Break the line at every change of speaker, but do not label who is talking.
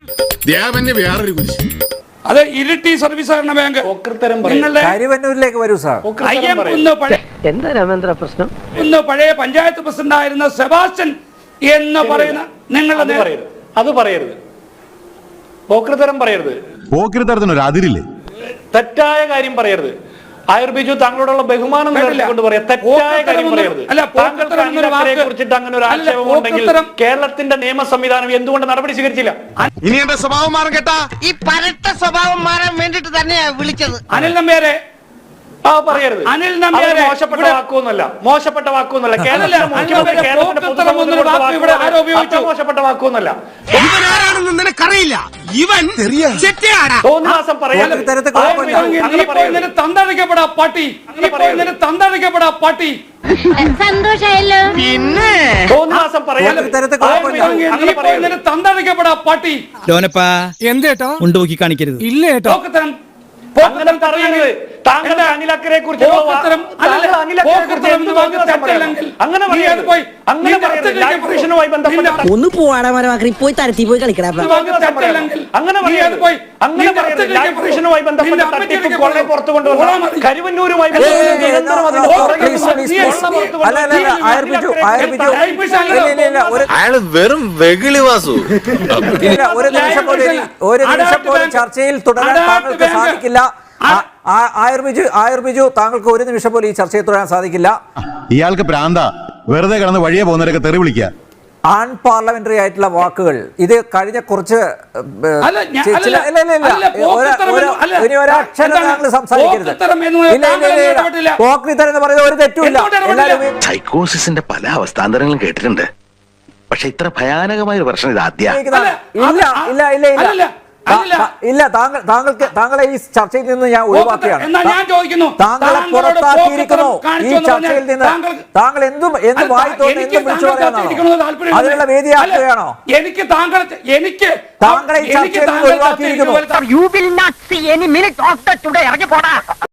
അത് ഇരിട്ടി സർവീസ് സഹകരണ ബാങ്ക്
കരുവന്നൂരിലേക്ക് വരൂ സാർ.
എന്താ രാമേന്ദ്ര പ്രശ്നം?
ഇന്ന് പഴയ പഞ്ചായത്ത് പ്രസിഡന്റ് ആയിരുന്ന സെബാസ്റ്റ്യൻ എന്ന് പറയുന്ന നിങ്ങളുടെ
അത് പറയരുത്, പോക്രിത്തരം പറയരുത്,
പോക്രിത്തരത്തിനൊരു അതിരില്ലേ,
തെറ്റായ കാര്യം പറയരുത്. ആയുർബിജു താങ്കളോടുള്ള ബഹുമാനം കൊണ്ട് പറയാം, തെറ്റായ കാര്യം പറയരുത്. താങ്കൾക്ക് അനിലക്കരയെ കുറിച്ചിട്ട് അങ്ങനെ ഒരു ആക്ഷേപം ഉണ്ടെങ്കിൽ കേരളത്തിന്റെ നിയമ സംവിധാനം എന്തുകൊണ്ട് നടപടി സ്വീകരിച്ചില്ല?
ഇനി എന്റെ സ്വഭാവം മാറും കേട്ടാ.
ഈ പരട്ട സ്വഭാവം മാറാൻ വേണ്ടിട്ട് തന്നെയാ വിളിച്ചത്.
അനിൽ നമ്പ്യാരെ
പറയരുത്.
അനിൽ നമ്പ്യാരെ
മോശപ്പെട്ട വാക്കൊന്നുമല്ല, മോശപ്പെട്ട വാക്കൊന്നുമല്ല. മോശപ്പെട്ട വാക്കൊന്നുമല്ല.
ഇവനാരാണെന്ന് നിനക്കറിയില്ല. ഇവൻ
തോന്നിവാസം പറയാൻ
തന്തടിക്കപ്പെടാ പാട്ടി, തന്തടിക്കപ്പെടാ പാട്ടി.
സന്തോഷായല്ലോ.
പിന്നെ തോന്നിവാസം പറയാൻ
തന്തടിക്കപ്പെടാ പാട്ടി.
ലോനപ്പാ എന്തേട്ടോ ഉണ്ടോക്കി കാണിക്കരുത്. ഇല്ലേട്ടോ
അങ്ങനെ പറയരുത്. താങ്കളുടെ അനിലക്കരെ കുറിച്ച്
ഒന്ന് പോവാടാ മരമാക്കി പോയി തരത്തി പോയി കളിക്കടാ.
പുറത്തു കൊണ്ടുവന്ന കരുവന്നൂരുമായി
അയാള് വെറും വെകിളി വാസു. ഒരു നിമിഷം പോലും ചർച്ചയിൽ തുടരാൻ താങ്കൾക്ക് സാധിക്കില്ല. ആയുർബിജു താങ്കൾക്ക് ഒരു നിമിഷം പോലും ഈ ചർച്ചയിൽ തുടരാൻ സാധിക്കില്ല.
ഇയാൾക്ക് പ്രാന്ത, വെറുതെ കിടന്ന് വഴിയെ പോകുന്നവരൊക്കെ തെറി വിളിക്കുക.
അൺപാർലമെന്ററി ആയിട്ടുള്ള വാക്കുകൾ ഇത് കഴിഞ്ഞ കുറച്ച് സംസാരിക്കരുത്. പോക്രിത്തരം എന്ന് പറയുന്നത് ഒരു തെറ്റുമില്ല.
സൈക്കോസിന്റെ പല അവസ്ഥാന്തരങ്ങളും കേട്ടിട്ടുണ്ട്, പക്ഷെ ഇത്ര ഭയാനകമായ ഒരു പ്രശ്നം ഇത് ആദ്യം.
ഇല്ല, താങ്കളെ ഈ ചർച്ചയിൽ നിന്ന് ഞാൻ ഒഴിവാക്കിയാണ്. താങ്കളെ പുറത്താക്കിയിരിക്കുന്നു ഈ ചർച്ചയിൽ നിന്ന്. താങ്കൾ എന്ത് വായി തോന്നുന്നു എന്തും വിളിച്ചു പറയാനാണോ? അതിനുള്ള വേദിയാക്കുകയാണോ? താങ്കളെ ഈ ചർച്ചയിൽ നിന്ന് ഒഴിവാക്കിയിരിക്കുന്നു.